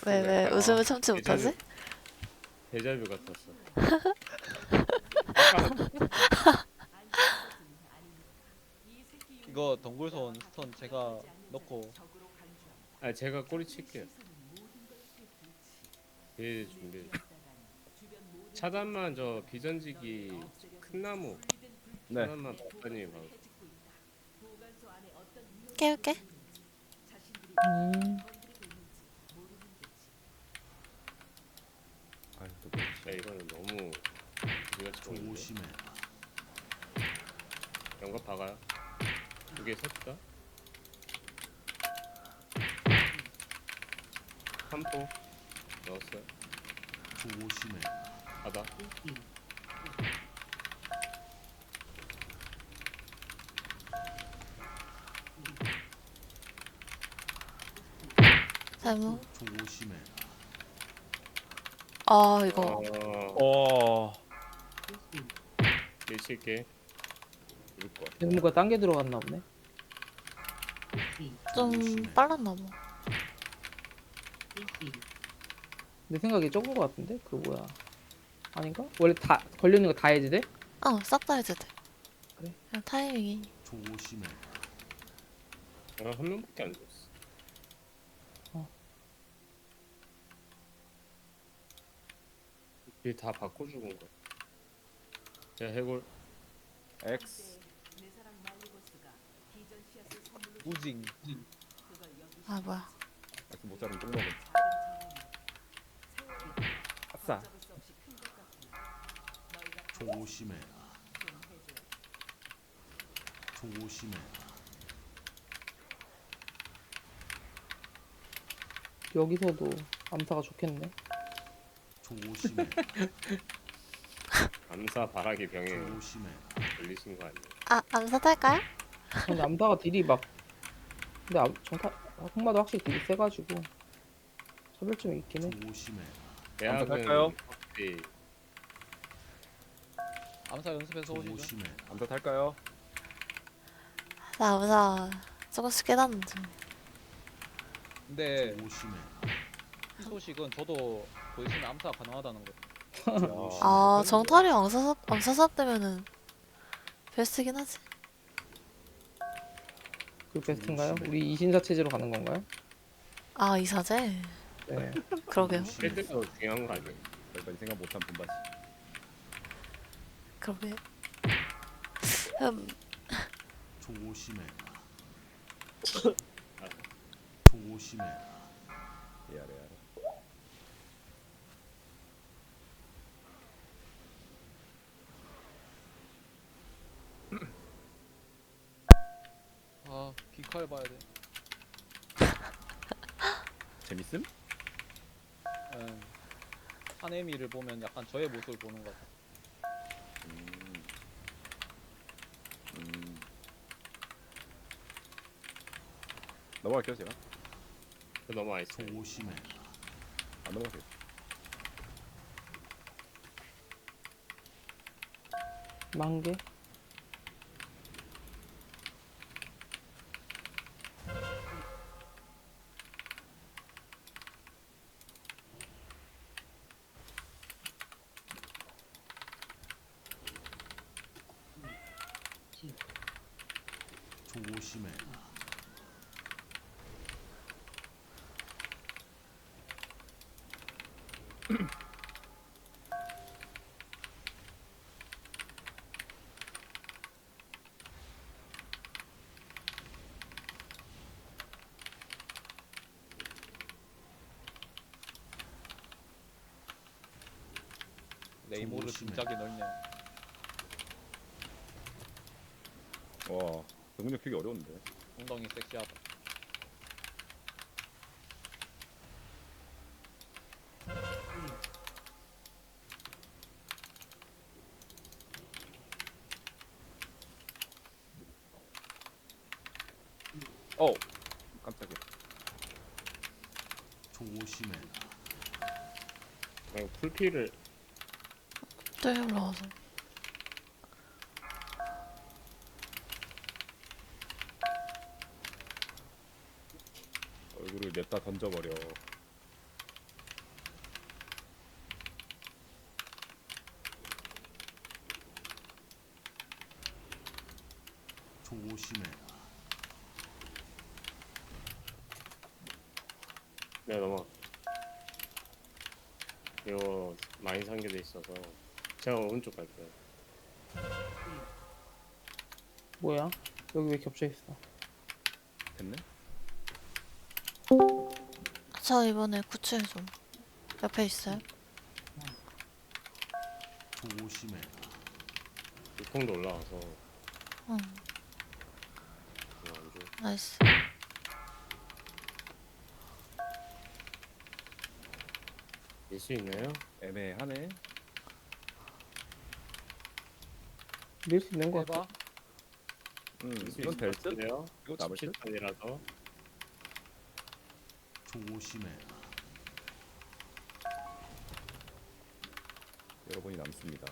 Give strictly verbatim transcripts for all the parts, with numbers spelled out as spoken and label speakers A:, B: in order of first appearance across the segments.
A: 왜, 왜,
B: 아,
A: 웃음을 참지
B: 데자뷰,
A: 못하지?
B: 데자뷰 같았어. 아까
C: 이거 덩굴손 스턴 제가 넣고
B: 아 제가 꼬리 칠게요. 예 준비. 차단만 저 비전지기 큰 나무
D: 네.
B: 하나만 박사님이 봐.
A: 깨울게.
E: 음.
D: 아유, 또
B: 야 이거는 너무 우리가
F: 조심해.
B: 연갑 박아요. 두 개 섰다. 삼 포 넣었어요.
F: 조심해.
B: 바다.
A: 잘못.
F: 조심해.
A: 아, 이거.
B: 어,
D: 어.
B: 밀칠게.
D: 죽을 것 같아.
E: 대무가 딴 게 들어갔나 보네.
A: 좀 빨랐나 봐.
E: 내 생각에 적은 거 같은데? 그 뭐야? 아닌가? 원래 다 걸려있는 거 다 해지 돼?
A: 어, 싹 다 해도 돼.
E: 그래.
A: 그냥 타이밍이.
F: 조심해.
B: 아, 한 명밖에 안 줬어.
E: 어.
B: 이게 다 바꿔 죽은 거야. 자 해골.
D: X.
C: 우징
A: 아, 뭐야.
D: X 못 자르면 똥 먹음. 아싸.
F: 조심해. 조심해.
E: 여기서도 암사가 좋겠네.
F: 조심해.
B: 암사 바라기 병에
F: 조심해.
B: 걸리신 거 아니에요?
A: 아, 암사 탈까요?
E: 근데 암사가 딜이 막 근데 암, 정타 흑마도 확실히 딜이 세가지고 차별점이 있긴 해.
F: 조심해.
B: 대학은
D: 탈까요?
B: 확실히
C: 암사 연습해서 오시죠.
F: 조심해.
D: 암사 탈까요?
A: 나 암사 조금씩 깨닫는데.
C: 근데
F: 조심해.
C: 이 소식은 저도 보이시면 암사 가능하다는 거.
A: 아, 정탈이 암사, 암사삽 되면은 베스트긴 하지.
E: 그 베스트인가요? 우리 이신사 체제로 가는 건가요?
A: 아, 이사제?
E: 네.
A: 그러게요.
F: 조심해.
B: 필드가 중요한 거 아니에요?
D: 별반 생각 못한 분바지.
A: 그러게. 음,
F: 조심해. 조심해.
D: 예, 아래 아래.
C: 아 비칼 봐야 돼.
D: 재밌음?
C: 예. 하네미를 보면 약간 저의 모습을 보는 것 같아.
D: 음. 음. 넘어갈게요 제가.
B: 그 너무 아이스.
F: 조심해.
D: 안 넘어가세요.
E: 만개.
F: 조심해.
C: 네이모르
F: 조심해.
C: 진작에 넓네.
D: 와, 능력 되게 어려운데.
C: 엉덩이 섹시하다.
D: 어, 깜짝이야.
F: 조심해.
B: 그냥 풀피를
A: 또 올라와서.
D: 얼굴을 냅다 던져버려.
F: 조심해라.
B: 내가 넘어. 이거 많이 상계돼 있어서 제가 오른쪽 갈게요.
E: 뭐야? 여기 왜 겹쳐 있어?
D: 됐네?
A: 저 이번에 구출 좀. 옆에 있어요?
F: 조심해라.
B: 육통도 올라와서
A: 응.
B: 이거 안 줘.
A: 나이스.
B: 밀 수 있나요?
D: 애매하네.
E: 밀 수 있는 거
C: 해봐.
E: 같아.
D: 음,
B: 밀 수
D: 이건
B: 있을
D: 될
B: 것
D: 듯?
B: 같은데요?
D: 이거 남을 듯?
B: 십칠 판이라서
F: 조심해라.
D: 여러분이 남습니다.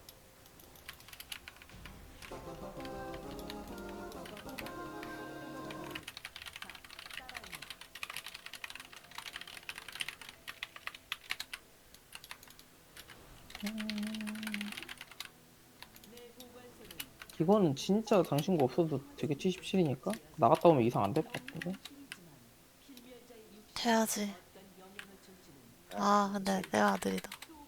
E: 이거는 진짜 당신 거 없어도 되게 칠십칠이니까 나갔다 오면 이상 안 될 것 같은데.
A: 돼야지. 아, 근데 내 아들이다.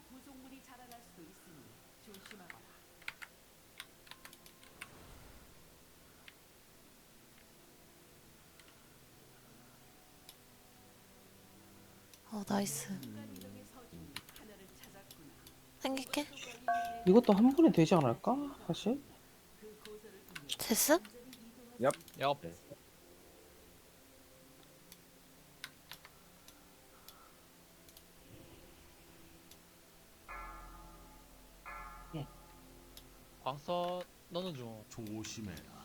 A: 어, 나이스. 생길게.
E: 이것도 한 번에 되지 않을까? 사실?
A: 됐음?
C: 야, 광선 너는 좀
F: 조심해라.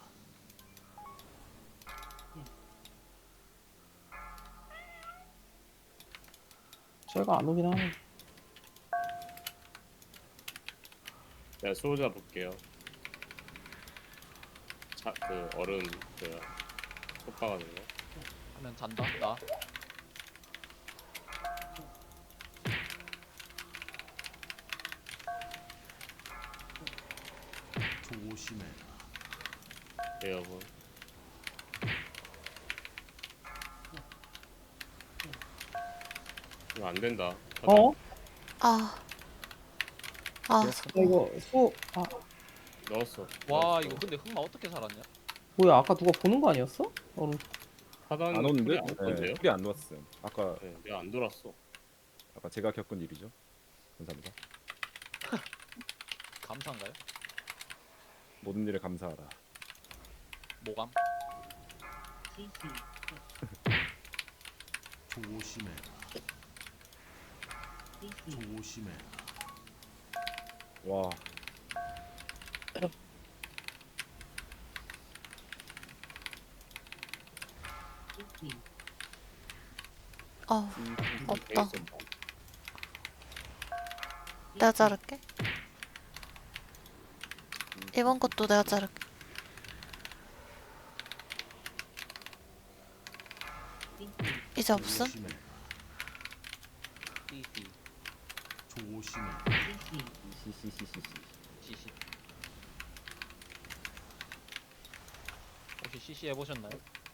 E: 제가 안 오긴 하네.
B: 내가 수호자 볼게요. 자, 그 얼음 그 속박하는 거.
C: 하면 잔다. 나.
F: 조심해라.
B: 네 여러분. 이거 안 된다.
E: 어?
A: 아. 아,
E: 야, 이거 수, 아,
B: 넣었어.
C: 와
B: 넣었어.
C: 이거 근데 흑마 어떻게 살았냐?
E: 뭐야, 아까 누가 보는 거 아니었어? 어,
B: 하단
D: 안 오는데?
B: 안 건데요?
D: 풀이 안 놓았음. 아까
B: 네, 내가 안 돌았어.
D: 아까 제가 겪은 일이죠. 감사합니다.
C: 감사인가요?
D: 모든 일에 감사하라.
C: 모감?
F: 조심해라. 조심해라.
D: 와,
A: 어, 없다.
B: 돼 있었다.
A: 내가 자를게. 이번 것도 내가 자를게. 이제 없음?
F: 조심해라.
C: 씨씨
F: 조심해라.
D: 시시시시시.
C: 씨씨 혹시 씨씨 해보셨나요?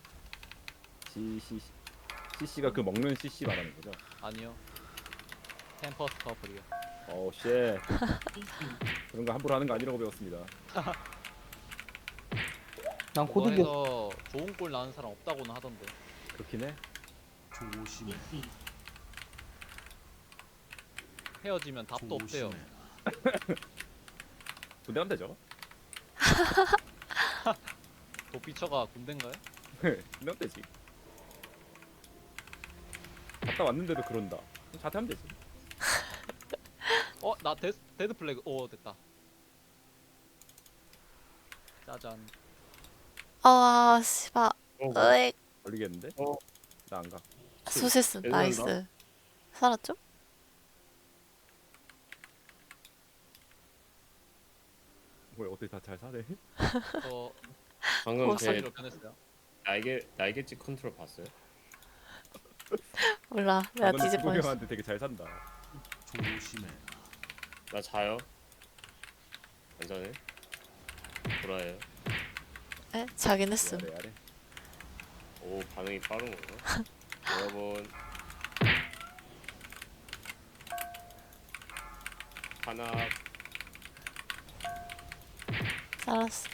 D: 시시 씨씨가 그 먹는 씨씨 말하는 거죠?
C: 아니요. 템퍼스 커플이요.
D: 어, 쉣. 그런 거 함부로 하는 거 아니라고 배웠습니다.
E: 난 고득이었어.
C: 그거에서 좋은 꼴 나는 사람 없다고는 하던데.
D: 그렇긴 해.
F: 조심해라.
C: 헤어지면 답도 없대요.
F: 조심해라.
D: 군대 가면 되죠?
C: 도피처가 군대인가요?
D: 군대 가면 되지. 갔다 왔는데도 그런다. 그럼 자퇴하면 되지.
C: 어? 나 데, 데드 플래그. 오 됐다. 짜잔.
A: 아, 씨발.
B: 어,
A: 으익.
D: 걸리겠는데?
B: 어.
D: 나 안 가.
A: 수실수.
B: 얘들아,
A: 나이스. 살았죠?
D: 뭐야, 어떻게 다 잘 사네?
C: 저
B: 방금
A: 어,
B: 제
C: 사기로 변했어요.
B: 날개 날개짓 컨트롤 봤어요?
A: 몰라. 내가
D: 이번에
A: 뒤집어 냈어.
D: 형한테 되게 잘 산다.
F: 조심해라.
B: 나 자요. 괜찮아요? 돌아요.
A: 에? 자긴
D: 이
A: 했음.
D: 아래 아래.
B: 오 반응이 빠른 건가? 여러분 하나
A: 살았어.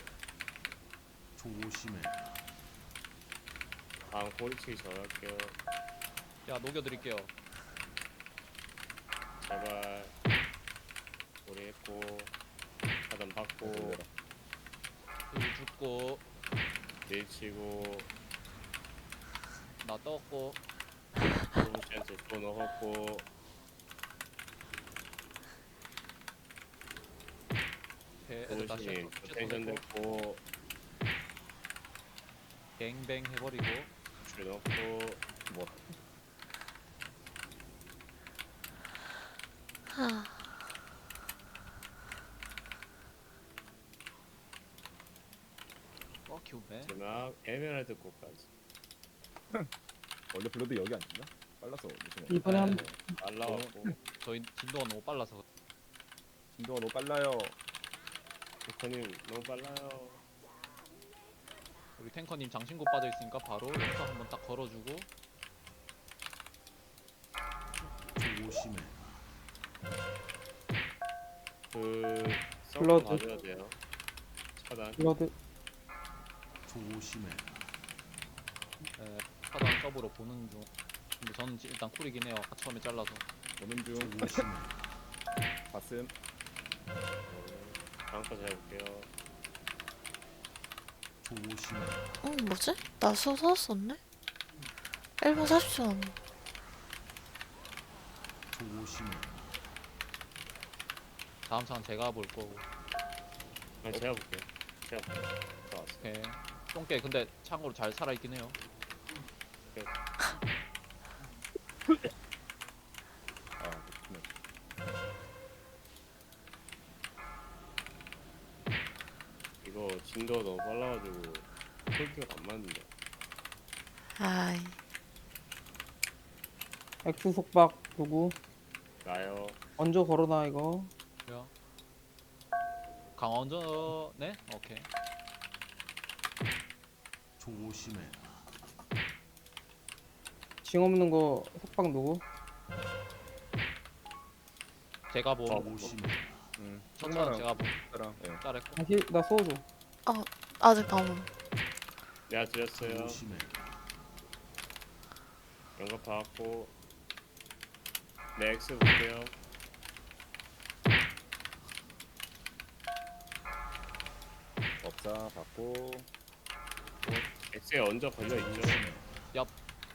F: 조심해.
B: 다음 꼬리치기 전할게요.
C: 야 녹여드릴게요.
B: 제발 우리 했고 차단 받고
D: 내려라.
C: 일 죽고
B: 밀치고
C: 나 떴고
B: 소부씨한테 또 넣었고
C: 배 애들 다시
B: 소부씨님
C: 또
B: 텐션
C: 냈고
B: 됐고
C: 뱅뱅 해버리고
B: 줄 넣고
D: 뭐
A: 하.
C: 어 기운배.
B: 마지막 에메랄드 꽃까지
D: 원래 블러드 여기 앉나? 빨라서 무슨
E: 이번에 한
C: 네.
B: 날라왔고
C: 저희 진도가 너무 빨라서
D: 진도가 너무 빨라요.
B: 조커님 너무 빨라요.
C: 우리 탱커님 장신구 빠져있으니까 바로 연사 한번 딱 걸어주고
F: 조심해.
B: 그 서브
E: 블러드.
B: 가져야 돼요. 차단
E: 블러드
F: 조심해.
C: 에, 차단 서브로 보는 중. 근데 저는 지- 일단 쿨이긴 해요. 아까 처음에 잘라서.
D: 오는 중
F: 조심해.
D: 봤음.
B: 다음 거 잘 볼게요.
F: 조심해.
A: 어 뭐지? 나 수 썼었네? 일 분 사십 초 남았.
F: 조심해.
C: 다음 차는 제가 볼 거고.
B: 아니 제가 볼게요. 제가 볼게요. 좋았어.
C: 오케이. 똥개 근데 참고로 잘 살아있긴 해요.
D: 아 그렇구나.
B: 이거 진도가 너무 빨라가지고 폴기가 안 맞는다.
A: 아이.
E: X 속박 누구?
B: 나요.
E: 먼저 걸어놔 이거.
C: 그래요. 강원전 네? 오케이.
F: 조심해.
E: 징 없는 거 속박 누구?
C: 제가 봄.
B: 어,
F: 조심해.
D: 음.
C: 첫 차는 제가 봄.
D: 랑 예.
C: 잘했고.
E: 다시 나 소주.
A: 아직 남음.
B: 내가 드렸어요.
F: 조심해.
B: 연락 받았고 네 X 볼게요.
D: 법사 받고
B: X에 얹어 걸려 있죠.
F: 조심해.
C: 얍.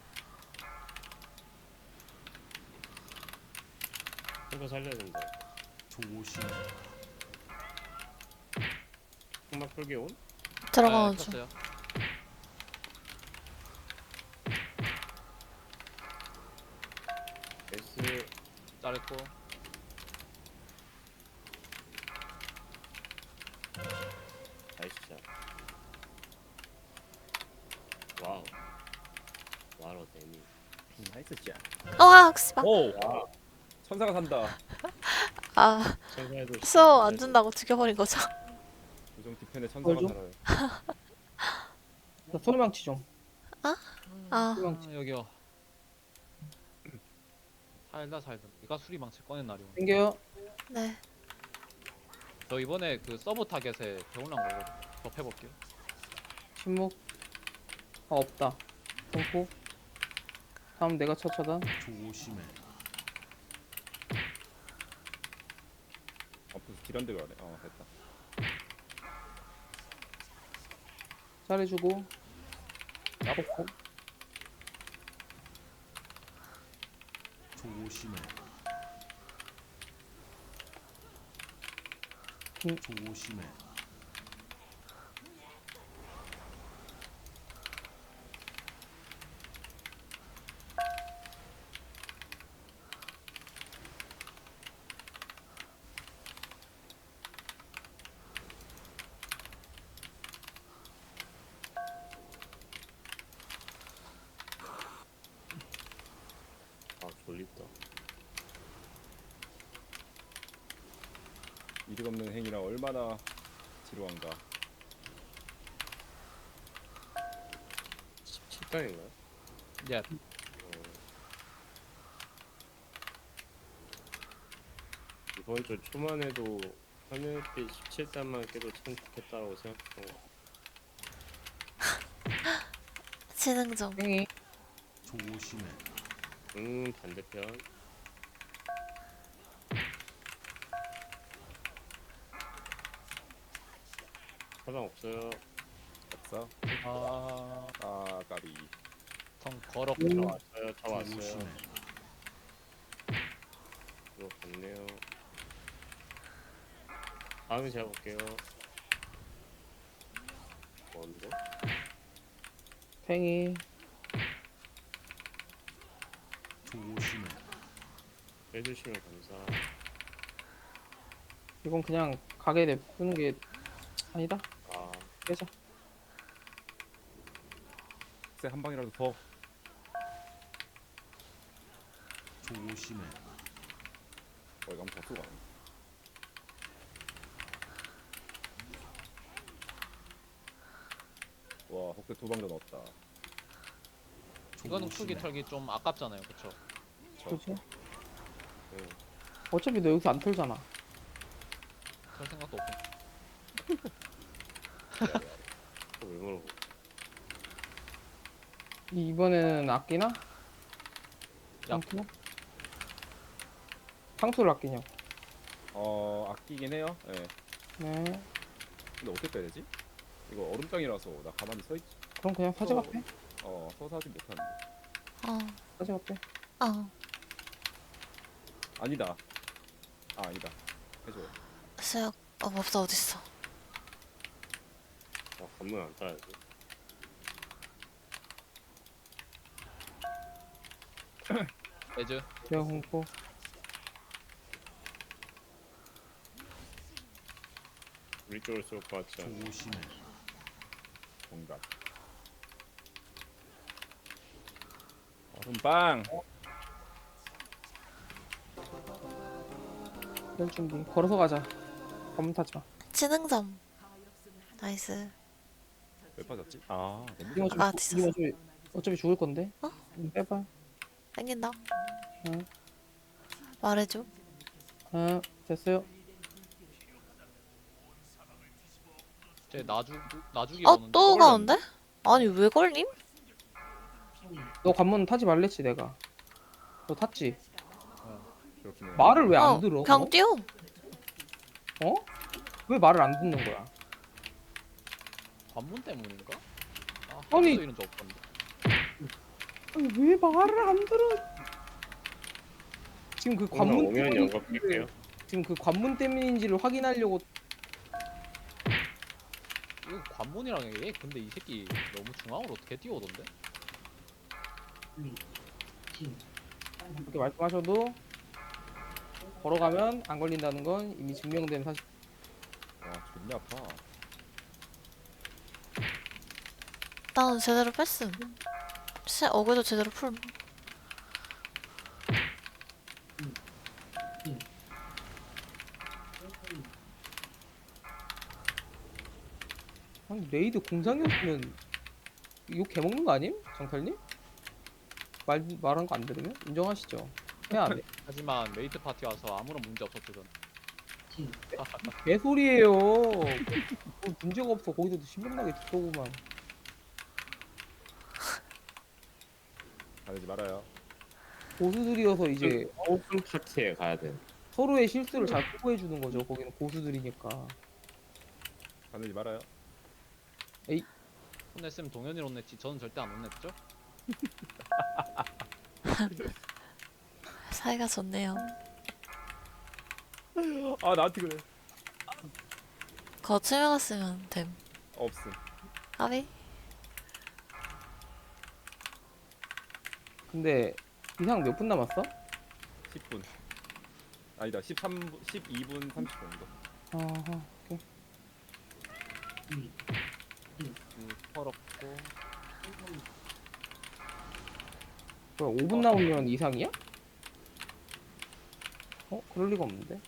B: 이거 살려야 된다.
F: 조심해.
B: 흑막 풀기 온?
A: 들어가는
C: 네,
A: 중.
C: 켰어요.
B: S
C: 잘했고.
B: 나이스 샷. 와우. 와로 데미.
D: 나이스 샷.
A: 어, 씨발.
D: 오
B: 와.
D: 천사가 산다.
A: 아,
B: 천사에도
A: 수호 안 준다고 죽여버린 거죠.
D: 요정 디펜에 천사가
E: 뭘 줘?
D: 살아요.
E: 나 소리망치 좀.
A: 아,
E: 수리망치.
C: 아, 여기요. 살다 살다. 네가 수리망치 꺼낸 날이 오네.
E: 생겨요.
A: 네.
C: 저 이번에 그 서브 타겟에 배울란 거거든. 접해볼게요.
E: 침묵. 아 없다. 공포. 다음 내가 첫 차단.
F: 조심해.
D: 아 무슨 딜한데 가네. 어 됐다.
E: 잘해주고.
C: 야복고.
F: 조심해.
E: 음.
F: 조심해.
B: 아 졸립다.
D: 이득 없는 행위라 얼마나 지루한가.
B: 식당인가요?
C: 예.
B: 어, 이번 주 초만 해도 화면빛 십칠 단만 깨도 참 좋겠다고 생각했던 거.
A: 지능점.
E: 팽이.
F: 조심해.
B: 음 반대편. 사방 없어요.
D: 없어.
C: 아,
D: 아 까비.
C: 성 걸었고.
E: 음.
B: 다 왔어요. 다 왔어요.
F: 조심해.
B: 이거 갔네요. 다음에 제가 볼게요. 뭔데?
E: 팽이.
F: 조심해.
B: 해주시면 감사.
E: 이건 그냥 가게 냅두는 게 아니다.
B: 아,
E: 빼자.
D: 쎄, 한 방이라도 더.
F: 조심해.
D: 어 이거 한번 더 쓰고 가네. 와 혹대 두 방 더 넣었다.
C: 이거는 풀기
F: 조심해.
C: 털기 좀 아깝잖아요, 그쵸?
E: 그렇지?
B: 네.
E: 어차피 너 여기서 안 털잖아.
C: 털 생각도 없고.
B: 또 왜 물어보?
E: 이번에는 아끼나?
C: 야.
E: 아끼나? 상투를 아끼냐고.
D: 어 아끼긴 해요. 예.
E: 네.
D: 근데 어떻게 빼야 되지? 이거 얼음장이라서 나 가만히 서 있지.
E: 그럼 그냥 사제가 빼.
D: 어 서서 하지 못하는데.
A: 어,
E: 사제가 빼.
A: 어.
D: 아니다. 아 아니다. 해줘요.
A: 수혁. 어, 법사 어딨어?
B: 아, 관문 안 따야지.
C: 레즈.
E: 내가 공포.
B: 우리 쪽을 쏠 것 같지 않아?
F: 조심해.
D: 정답. 얼음빵.
E: 열 준비. 걸어서 가자. 검문 타지 마.
A: 지능점. 나이스.
D: 왜 빠졌지? 아 너무
E: 이거
A: 아,
E: 어차피,
A: 뒤졌어.
E: 이거 어차피, 어차피 죽을 건데.
A: 어?
E: 응, 빼봐.
A: 땡긴다.
E: 응.
A: 말해줘.
E: 응, 됐어요.
C: 제 나주 나주기
A: 어,
C: 오는데.
A: 또
D: 걸렸네.
A: 가는데? 아니, 왜 걸림?
E: 너 관문 타지 말랬지 내가. 너 탔지?
D: 그렇긴 해.
E: 말을 왜 안
A: 어,
E: 들어?
A: 그냥 뛰어.
E: 어? 왜 말을 안 듣는 거야?
C: 관문 때문인가? 아,
E: 아니.
C: 아니 이런 적 없던데.
E: 아니 왜 말을 안 들어? 지금 그
B: 관문
E: 관문
B: 오면
E: 때문인지
B: 연락 드릴게요.
E: 지금 그 관문 때문인지를 확인하려고.
C: 이거 관문이랑 얘 근데 이 새끼 너무 중앙으로 어떻게 뛰어오던데?
E: 그렇게 말씀하셔도 걸어가면 안 걸린다는 건 이미 증명된 사실.
D: 와 존나 아파.
A: 나는 제대로 뺐음. 시, 어그도 제대로 풀.
E: 아니 레이드 공장이었으면 욕 개먹는 거 아님? 정탈님? 말 말한 거 안 들으면 인정하시죠? 해야 안 해?
C: 하지만 메이트 파티 와서 아무런 문제 없었죠 전.
E: 개소리예요. 뭐 문제가 없어. 거기서도 신명나게 듣더구만.
D: 가르지 말아요.
E: 고수들이어서 이제
B: 오픈 파티에 가야 돼.
E: 서로의 실수를 잘 보고해 주는 거죠. 거기는 고수들이니까.
D: 가르지 말아요.
C: 혼냈으면 동현이 혼냈지 저는 절대 안 혼냈죠?
A: 사이가 좋네요.
D: 아 나한테 그래.
A: 거침에 갔으면 됨.
D: 없음.
A: 아비?
E: 근데 이상 몇 분 남았어?
D: 십 분. 아니다. 십삼 분, 십이 분 삼십 분 정도.
E: 아하, 오케이.
C: 이 펄었고.
E: 뭐야, 오 분 남으면 이상이야? 어? 그럴 리가 없는데.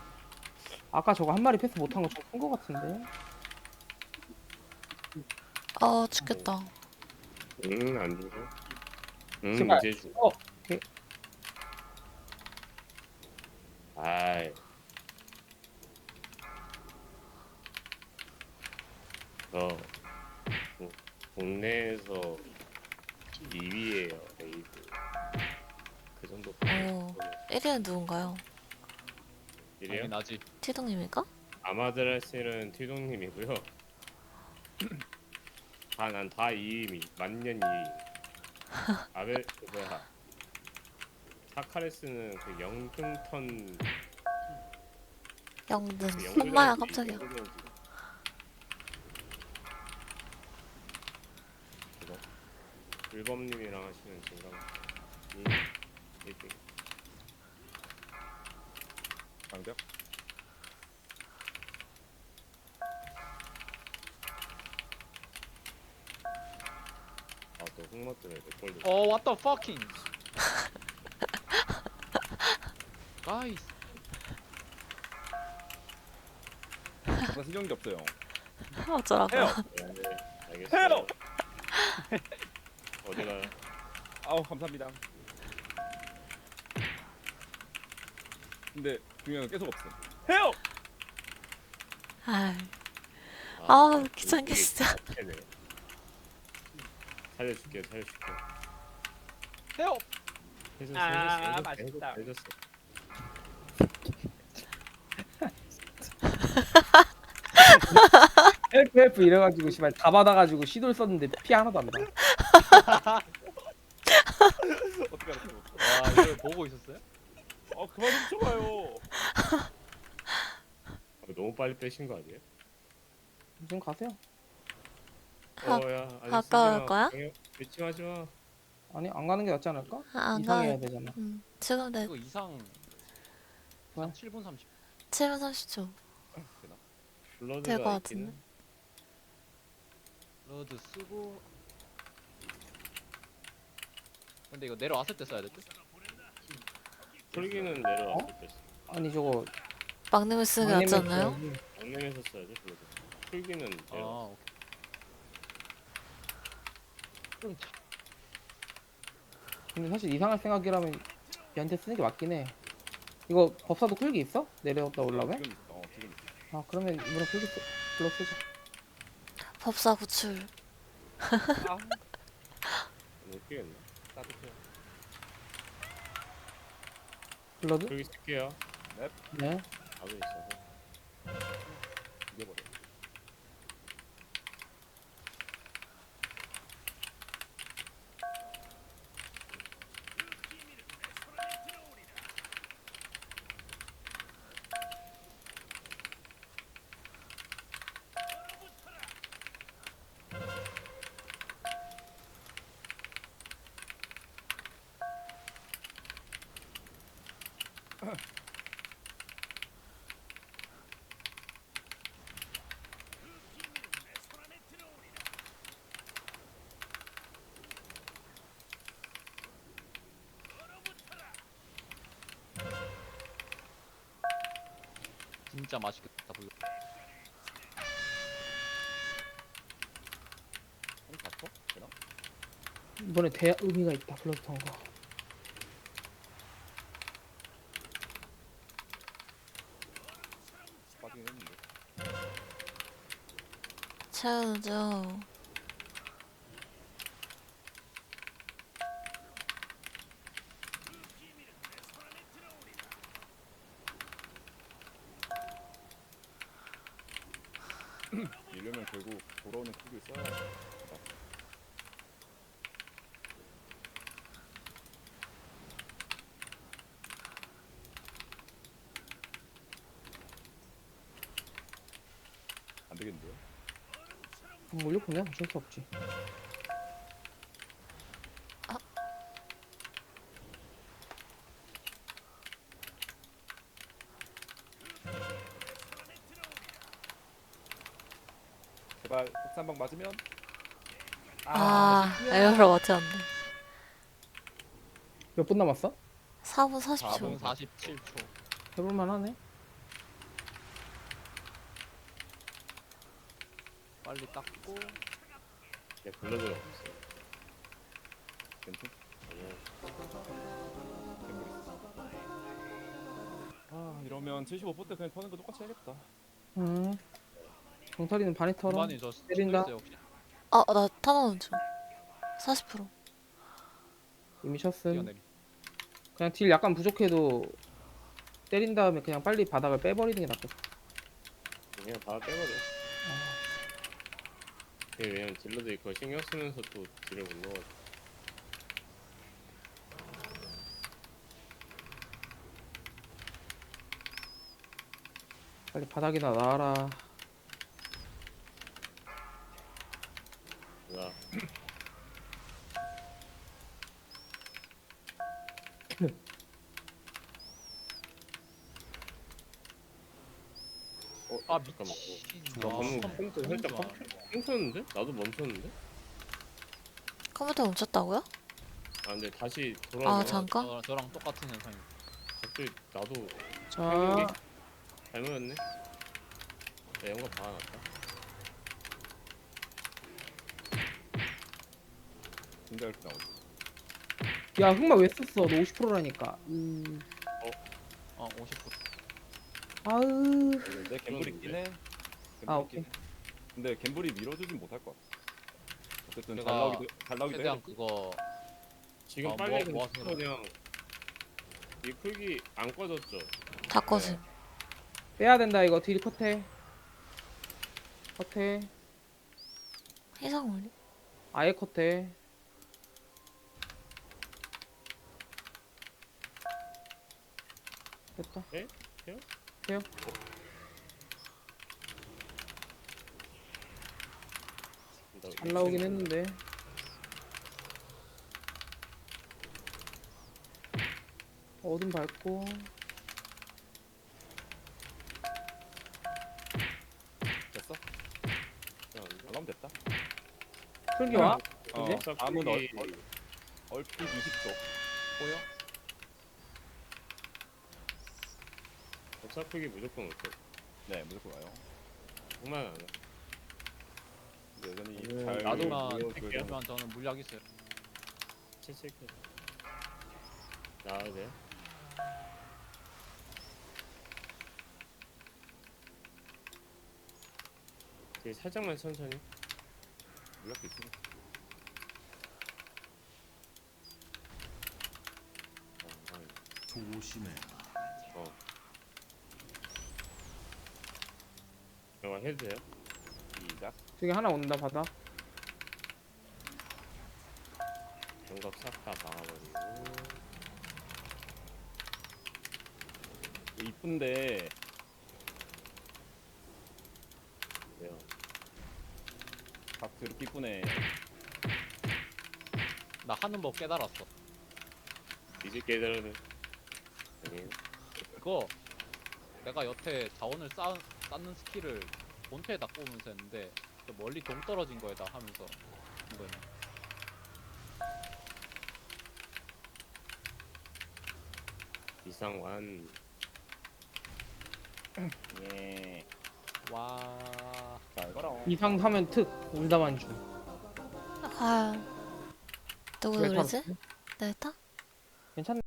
E: 아까 저거 한 마리 패스 못한 거 좀 큰 거 같은데.
A: 아 죽겠다.
B: 응, 안 죽어. 응,
E: 제발.
B: 이제 죽어.
E: 어, 오케이.
B: 아이. 저 국- 국내에서 이 위에요, 레이드. 그 정도.
A: 오. 일 위는 누군가요?
B: 이래요?
C: 당연하지.
A: 티동님일까?
B: 아마드라시는 튀동님이고요. 다 난 다 이 위미 만년 이 위. 아벨 그 뭐야? 사카레스는 그 영등턴
A: 영등.
B: 그 영등에너지,
A: 엄마야 깜짝이야.
B: 영등에너지. 그거 일범님이랑 하시는 진강 이 일 등.
D: 방벽.
B: 아또 흑마 때문에 내 걸려.
C: 어, what the fucking. 가이스.
D: 나 신경이 없어요.
A: 어쩌라고.
D: 해요.
B: 네, 알겠어요.
D: 해요.
B: 어디가요?
D: 아우 감사합니다. 근데 중요한 건 계속 없어. 해요.
A: 아이. 아, 귀찮게
B: 이게
A: 진짜.
B: 자체네. 살려줄게, 살려줄게.
C: 헤어.
B: 해줬어,
C: 아,
B: 해줬어, 해줬어,
C: 맛있다.
B: 해줬어, 해줬어.
E: 헬프 헬프 이래가지고 씨발 다 받아가지고 시도를 썼는데 피 하나도 안 나.
D: 어떻게 알았어?
C: 와, 이걸 보고 있었어요?
D: 아 그만 좀 쳐봐요.
B: 아, 너무 빨리 빼신 거 아니에요?
E: 지금 가세요.
A: 아,
B: 어야, 아니,
A: 가까울
B: 쓰지 마.
A: 거야?
B: 방해- 외침하지 마.
E: 아니 안 가는 게 낫지 않을까?
A: 아, 안
E: 이상해야
A: 가.
E: 되잖아.
A: 음. 지금 내
C: 이거 이상.
E: 왜?
C: 칠 분 삼십.
A: 칠 분 삼십 초.
B: 블러드가
A: 될 것
B: 있기는.
A: 같은데.
C: 러드 쓰고. 근데 이거 내려왔을 때 써야 될 듯?
B: 풀기는 내려왔을 때 써.
E: 아니 저거
A: 막내물 쓰는 게 낫지
E: 막내면
A: 않나요?
E: 써야지.
B: 강릉에서 써야지 블러드. 풀기는
C: 아,
B: 내려.
C: 오케이. 좀 차-
E: 근데 사실 이상할 생각이라면 얘한테 쓰는 게 맞긴 해. 이거 법사도 풀기 있어? 내려왔다 올라오면?
D: 지금 있어. 어 지금 있어.
E: 아 그러면 이번에 풀기 쓰, 블럭 쓰자.
A: 법사 구출.
D: 아
B: 못 끼겠네.
D: 따뜻해.
E: 블러드?
B: 풀기 쓸게요.
E: 네.
B: 답은 있어서.
D: 이겨버려.
C: 진짜 맛있겠다. 불러.
D: 한 다쳐? 되나?
E: 이번에 대 의미가 있다 블러드 탄 거.
D: 빠지긴 했는데.
A: 채우는 중.
D: 이러면 결국 돌아오는 쿨을 써야 돼. 안 되겠는데요?
E: 음, 올려보면 어쩔 수 없지.
D: 제발 폭탄방 맞으면
A: 아, 에어로 맞췄네.
E: 몇 분 남았어?
A: 사 분 사십
C: 사 분
A: 초.
C: 사십칠 초.
E: 해볼만 하네.
C: 빨리 닦고.
B: 내 블러드가 없어.
D: 괜찮?
B: 아니야.
D: 갬블 있어. 아 이러면 칠십오 퍼센트 때 그냥 터는 거 똑같이 해야겠다.
E: 음. 정탈이는 반이 털어.
C: 중반이 저
E: 때린다.
C: 있어요, 혹시?
A: 아, 나 타나운 중. 사십 퍼센트.
E: 이미 셨음.
C: 뛰어내리.
E: 그냥 딜 약간 부족해도 때린 다음에 그냥 빨리 바닥을 빼버리는 게 낫겠다.
B: 그냥 다 빼버려. 그게 왜냐면 딜러들이 그거 신경 쓰면서 또 딜을 못 넣어.
E: 빨리 바닥이나 나와라.
B: 나 어,
C: 아
B: 잠깐만.
C: 미친.
B: 나 방금
C: 아,
B: 컴퓨터
C: 너무
B: 살짝
C: 좋아.
B: 멈췄는데? 나도 멈췄는데?
A: 컴퓨터 멈췄다고요?
B: 아 근데 다시
A: 아,
B: 돌아오면
A: 잠깐.
C: 저, 저랑 똑같은 현상이.
B: 갑자기 나도
E: 자,
B: 잘못했네? 나 영감 박아놨다.
D: 진짜 이렇게 나오지.
E: 야 흑마 왜 썼어? 너 오십 퍼센트라니까. 음.
C: 어 오십 퍼센트.
E: 아으.
D: 근데 갬블 있긴 해. 갬블
E: 아,
D: 있긴 해. 근데 갬블이 밀어주진 못할 것 같아. 어쨌든 잘
C: 내가
D: 나오기도 잘 나오기도
C: 최대한
D: 해.
C: 그거
B: 지금
C: 아,
B: 빨리
C: 뭐-
B: 그냥
C: 뭐 하세요?
B: 그냥 이 풀기 안 꺼졌죠?
A: 다 꺼짐.
E: 빼야 된다 이거 딜 컷해. 컷해.
A: 해상 올림.
E: 아예 컷해. 됐다.
B: 에? 해요?
E: 해요.
B: 나
E: 잘 나오긴 했는데. 어둠 밟고.
D: 됐어?
B: 안 돼.
D: 나오면 됐다.
E: 풀기 와?
D: 어,
E: 이제?
D: 다음은 얼,
B: 풀기-
D: 얼, 얼핏 이십 초.
C: 보여?
B: 법사 풀기 무조건 올게.
D: 네 무조건 와요.
B: 정말 안 해.
D: 근데 여전히
B: 음,
D: 잘
C: 나도만
D: 보여줘야
B: 할게요.
D: 되는
C: 그러면 저는 물약 있어요.
B: 칠칠게. 나와야 돼. 되게 살짝만 천천히.
D: 물약도 있으니까.
B: 어, 아니.
F: 조심해라.
B: 어. 영화 해도 돼요?
D: 시작.
E: 저기 하나 온다 바닥.
B: 영갑 싹 다 막아버리고.
D: 이쁜데
B: 네요.
D: 각 드럽게 이쁘네.
C: 나 하는 법 깨달았어.
B: 이제 깨달으면 아니에요.
C: 그거 내가 여태 자원을 쌓, 쌓는 스킬을 본체에다 꼽으면서 했는데 저 멀리 동 떨어진 거에다 하면서 이거는
B: 이상완.
D: 예.
C: 와.
D: 잘 가라.
E: 이상 하면 특 온다만 주.
A: 아, 누구
E: 왜
A: 노래지?
E: 탔어?
A: 내 타?
E: 괜찮네.